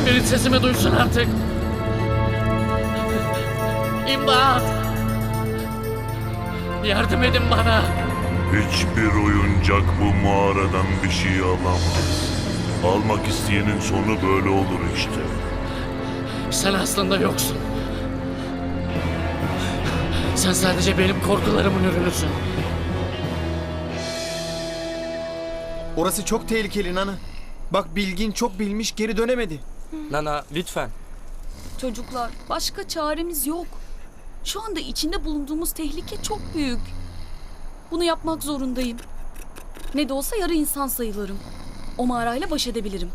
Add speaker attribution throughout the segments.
Speaker 1: Biri sesimi duysun artık. İmdat! Yardım edin bana.
Speaker 2: Hiçbir oyuncak bu mağaradan bir şey alamaz. Almak isteyenin sonu böyle olur işte.
Speaker 1: Sen aslında yoksun. Sen sadece benim korkularımın ürünüsün.
Speaker 3: Orası çok tehlikeli Nana. Bak Bilgin çok bilmiş geri dönemedi.
Speaker 4: Nana lütfen.
Speaker 5: Çocuklar, başka çaremiz yok. Şu anda içinde bulunduğumuz tehlike çok büyük. Bunu yapmak zorundayım. Ne de olsa yarı insan sayılırım. O mağarayla baş edebilirim.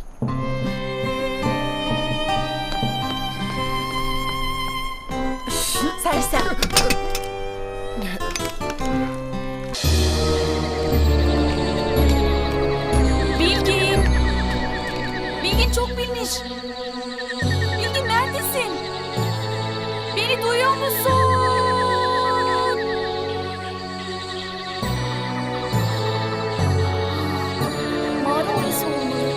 Speaker 5: Sersem. Bilgin. Bilgin çok bilmiş. Bilgin neredesin? Beni duyuyor musun? Mağara orası olmalı.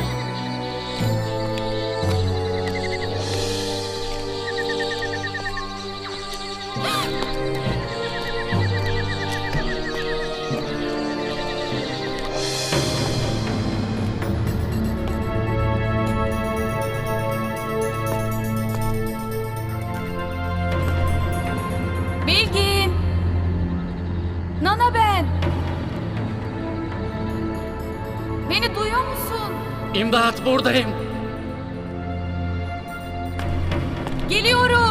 Speaker 5: Bilgin! Nana ben! Beni duyuyor musun?
Speaker 1: İmdat, buradayım.
Speaker 5: Geliyorum!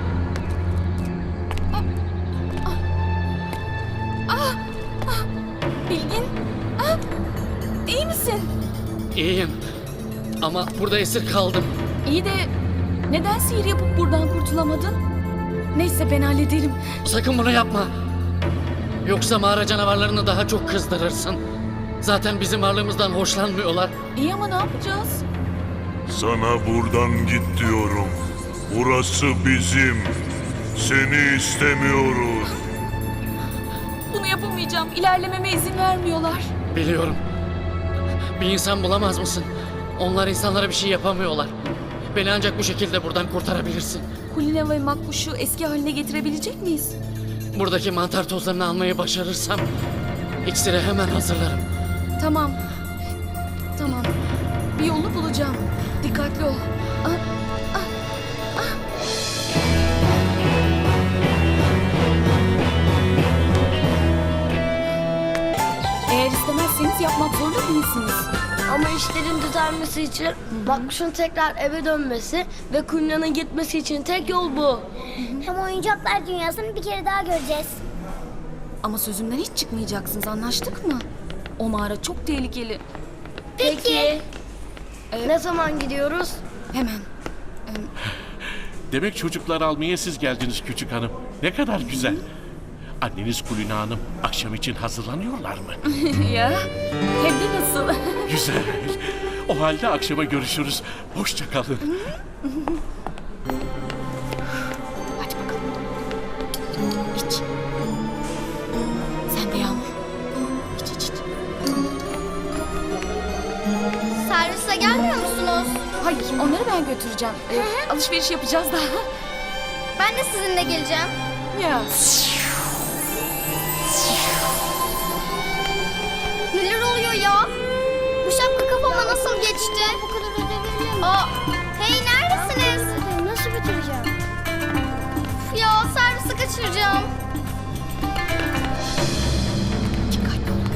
Speaker 5: Bilgin! İyi misin?
Speaker 1: İyiyim. Ama burada esir kaldım.
Speaker 5: İyi de neden sihir yapıp buradan kurtulamadın? Neyse ben hallederim.
Speaker 1: Sakın bunu yapma. Yoksa mağara canavarlarını daha çok kızdırırsın. Zaten bizim varlığımızdan hoşlanmıyorlar.
Speaker 5: İyi ama ne yapacağız?
Speaker 2: Sana buradan git diyorum. Burası bizim. Seni istemiyoruz.
Speaker 5: Bunu yapamayacağım. İlerlememe izin vermiyorlar.
Speaker 1: Biliyorum. Bir insan bulamaz mısın? Onlar insanlara bir şey yapamıyorlar. Beni ancak bu şekilde buradan kurtarabilirsin.
Speaker 5: Kulina ve Makbuş'u eski haline getirebilecek miyiz?
Speaker 1: Buradaki mantar tozlarını almayı başarırsam iksiri hemen hazırlarım.
Speaker 5: Tamam. Tamam. Bir yolunu bulacağım. Dikkatli ol. Eğer istemezseniz yapmak zorunda değilsiniz.
Speaker 6: Ama işlerin düzelmesi için Makbuş'un tekrar eve dönmesi ve Kulina'nın gitmesi için tek yol bu.
Speaker 7: Hem oyuncaklar dünyasını bir kere daha göreceğiz.
Speaker 5: Ama sözümden hiç çıkmayacaksınız, anlaştık mı? O mağara çok tehlikeli.
Speaker 6: Peki. Ne zaman gidiyoruz?
Speaker 5: Hemen.
Speaker 8: Demek çocukları almaya siz geldiniz küçük hanım. Ne kadar güzel. Anneniz Kulina Hanım akşam için hazırlanıyorlar mı?
Speaker 5: Ya, hem de nasıl?
Speaker 8: Güzel. O halde akşama görüşürüz. Hoşça kalın.
Speaker 5: Hadi bakalım. İç. Sen de Yağmur. İç.
Speaker 7: Servise gelmiyor musunuz?
Speaker 5: Hayır, onları ben götüreceğim. Alışveriş yapacağız daha.
Speaker 7: Ben de sizinle geleceğim.
Speaker 5: Ya.
Speaker 7: Neler oluyor ya? Bu şapka kafama nasıl geçti? Bu kadar ödev. Hey neredesiniz? Nasıl bitireceğim? Ya servisi kaçıracağım.
Speaker 5: Dikkatli ol.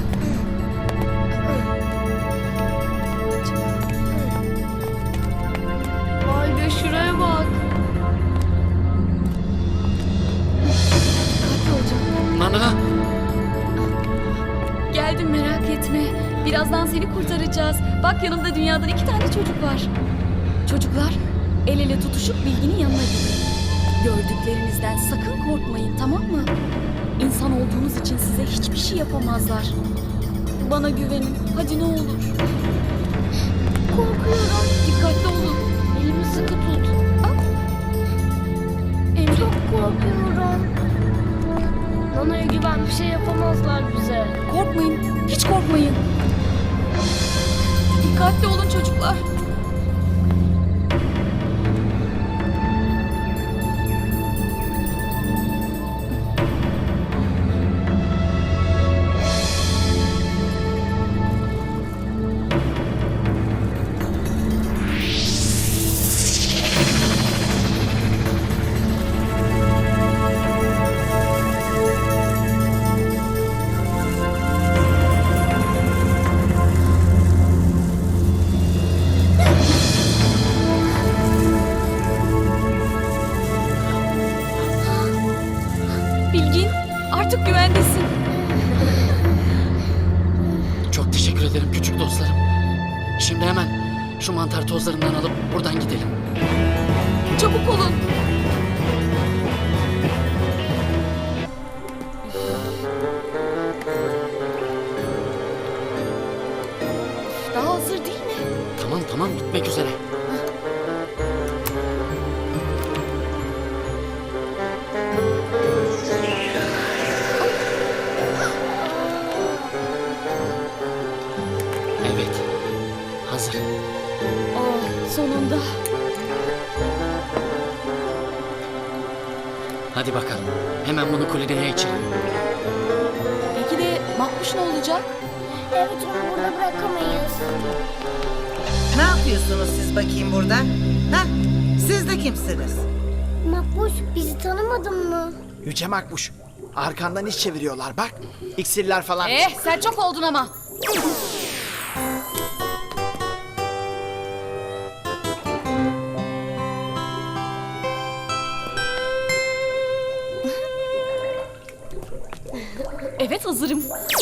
Speaker 6: Vay be şuraya bak.
Speaker 5: Dikkatli olacağım.
Speaker 1: Nana!
Speaker 5: Geldim, merak etme. Birazdan seni kurtaracağız. Bak yanımda dünyadan 2 tane çocuk var. Çocuklar, el ele tutuşup Bilgin'in yanına gidin. Gördüklerinizden sakın korkmayın, tamam mı? İnsan olduğunuz için size hiçbir şey yapamazlar. Bana güvenin, hadi ne olur. Korkuyorum. Dikkatli olun.
Speaker 6: Elimi sıkı tut.
Speaker 5: Emre,
Speaker 6: Çok korkuyorum. Nana'ya güven, bir şey yapamazlar bize.
Speaker 5: korkmayın, hiç korkmayın. Dikkatli olun çocuklar. güvendesin.
Speaker 1: Çok teşekkür ederim küçük dostlarım. Şimdi hemen şu mantar tozlarından alıp buradan gidelim.
Speaker 5: Çabuk olun. Daha hazır değil mi?
Speaker 1: Tamam tamam bitmek üzere. Evet. Hazır.
Speaker 5: Oh, sonunda.
Speaker 1: Hadi bakalım. Hemen bunu kulineye içelim.
Speaker 5: Peki de Makbuş ne olacak?
Speaker 7: Evet onu burada bırakamayız.
Speaker 4: Ne yapıyorsunuz siz bakayım burada? Ha? Siz de kimsiniz?
Speaker 7: Makbuş bizi tanımadın mı?
Speaker 9: Yüce Makbuş. Arkandan iş çeviriyorlar bak. İksirler falan.
Speaker 5: Sen çok oldun ama. Evet hazırım.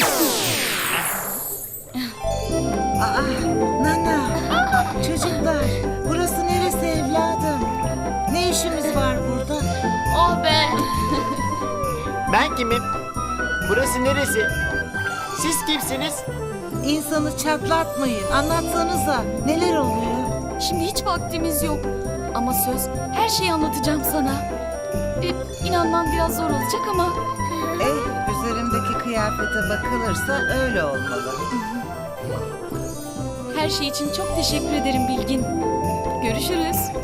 Speaker 4: Aa, Nana. Çocuklar, burası neresi evladım? Ne işiniz var burada?
Speaker 5: Oh be.
Speaker 9: Ben kimim? Burası neresi? Siz kimsiniz?
Speaker 4: İnsanı çatlatmayın. Anlatsanıza. Neler oluyor?
Speaker 5: Şimdi hiç vaktimiz yok. Ama söz her şeyi anlatacağım sana. İnanman biraz zor olacak ama
Speaker 4: Üzerimdeki kıyafete bakılırsa öyle olmalı.
Speaker 5: her şey için çok teşekkür ederim Bilgin. Görüşürüz.